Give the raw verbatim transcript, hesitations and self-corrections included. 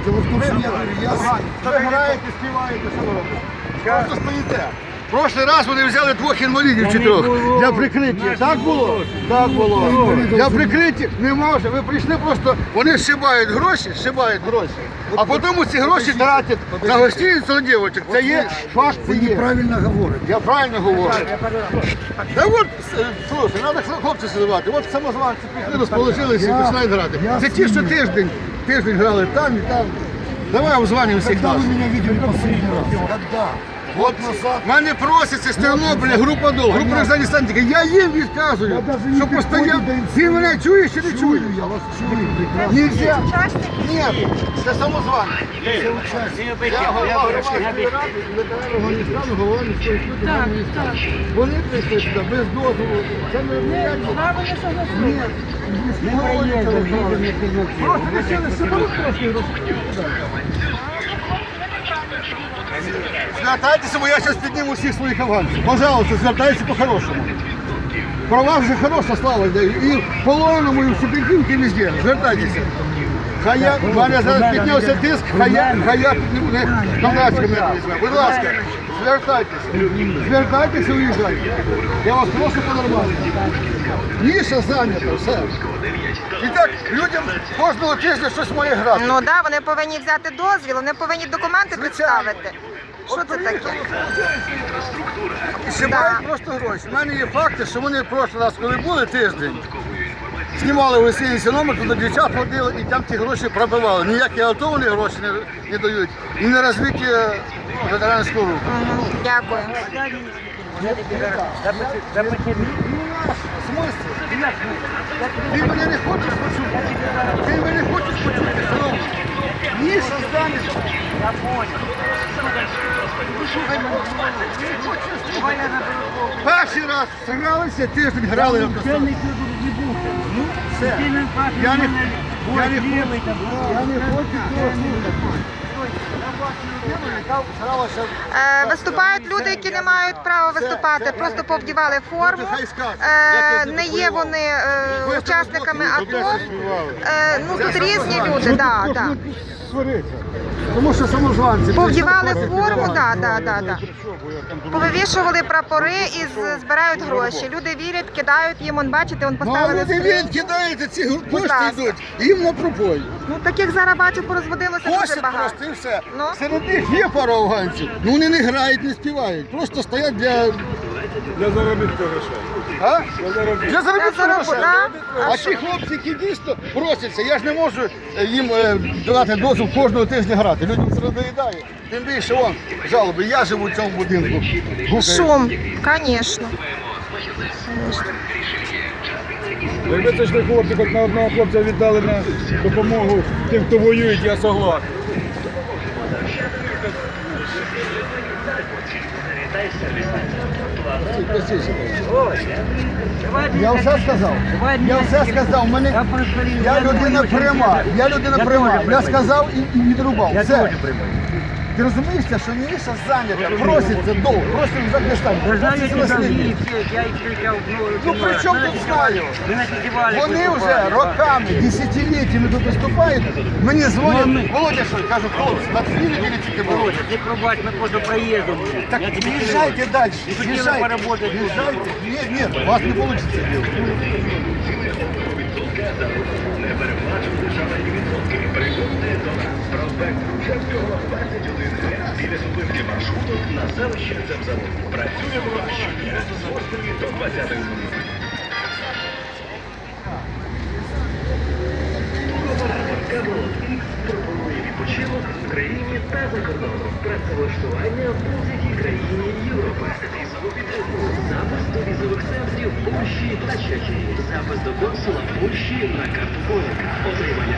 вот тут же я говорю, я... Ви граєте, співаєте, що ви робите? Просто стоїте. В прошлий раз вони взяли двох інвалідів чи трьох для прикриття. Так було? Так було. Для прикриття не може. Ви прийшли просто, вони зшибають гроші, зшибають гроші. А потім ці гроші тратять на гостиницю на дівчинок. Це є факт, це Вы є. неправильно говорите. Я правильно говорю. Та от, е, слухай, треба хлопці сидувати. От самозванці прийшли, розположилися і починають грати. Це ті, що тиждень, тиждень грали там і там. Давай обзвонимо всіх Когда нас. вы меня видели последний раз? Когда? От мене проситься з Тернополя група ДОЛ, група Роксані Стантіка. Я їм відказую, Я даже не що постійно. підходжу до Ти мене чуєш чи не чуєш? Чую, я вас чую прекрасно. Нельзя. Ні, це самозванці. Я голова громадської ради, ветеранів Афганістану, голова міської суду. Вони прийшли сюди без дозволу. Це не реально. Ні. Не просто вирішили, що вони трошки розповідають. Звертайтеся, бо я зараз підніму всіх своїх афганців. Пожалуйста, звертайтеся по-хорошому. Про вас вже хороша слава йде. І в полоненому, і в Шепетівці, і везде. Звертайтеся. Хай я, в мене зараз піднявся тиск, хай я, хай я підніму, не, камрачка мене візьме. Будь ласка, звертайтеся. Звертайтеся, уїжджайте. Я вас прошу по-нормальному. Ніша зайнята, все. І так, людям кожного тижня щось має грати. Ну так, да, вони повинні взяти дозвіл, вони повинні документи представити. Що це таке? І знімають просто гроші. У мене є факти, що вони в прошлий раз, коли були тиждень, знімали в гостиниці номер, туди дівчат ходили і там ті гроші пробивали. Ніякі АТО вони гроші не, не дають. І не розвиття ветеранського руху. Угу, дякую. Ти мене не хочеш почути? Ти мене не хочеш почути, шановний? Ніша зайнята. Я понял. Перший раз зігралися, тиждень грали. Ну, все. Я не, я не хочу, я не хочу цього слухати. Е, виступають люди, які не мають права виступати, просто повдівали форму. Е, не є вони е, учасниками АТО. Е, ну тут різні люди, да, да. Тому що самозванці. Повдівали форму, да, да, да, да. Повивішували прапори і з- збирають гроші. Люди вірять, кидають їм, он бачите, он Ну, а поставили люди скринь. він кидаєте, ці кошти ласка. йдуть, їм на пробой. Ну таких зараз бачу порозводилося дуже Косять багато. просто і все. Ну. Серед них є пара афганців, ну вони не грають, не співають. Просто стоять для... Для заробітку грошей. А? Для заробітку Для грошей. заробітку, да. А ті хлопці, які дійсно просяться, я ж не можу е, їм е, давати дозвіл кожного тижня грати. Людям це надоїдає. Тим більше, вон, жалоби, я живу в цьому будинку. Гукає. Шум, звісно. Якби це ж ви хлопці, хоч на одного хлопця віддали на допомогу тим, хто воює, я согласен. Я все сказав. Я все сказав. Мене... Я людина пряма. Я людина пряма. Я сказав і, і відрубав. Все. Ти розумієш, що Ніша зайнята, проситься довго, просить за кришталь. Ну при чому тут знаю? Вони вже роками, десятиліттями тут виступають. Мені дзвонять, Володя, що кажуть, хлопці, на дві неділі тільки було. Ты пробовать, мы просто проездом. Так їжджайте далі, їжджайте. Їжджайте. Ні, ні, у вас не вийде. Біля зупинки маршруту на селище Цемзавод. Працюємо щодня з восьмої до двадцятої хвилини. Пропонує відпочинок в Україні та за кордоном. Працевлаштування в будь-якій країні Європи. Візову підтримку. Запис до візових центрів Польщі та Чехії. Запис до консула Польщі на карту Поліка. Отримання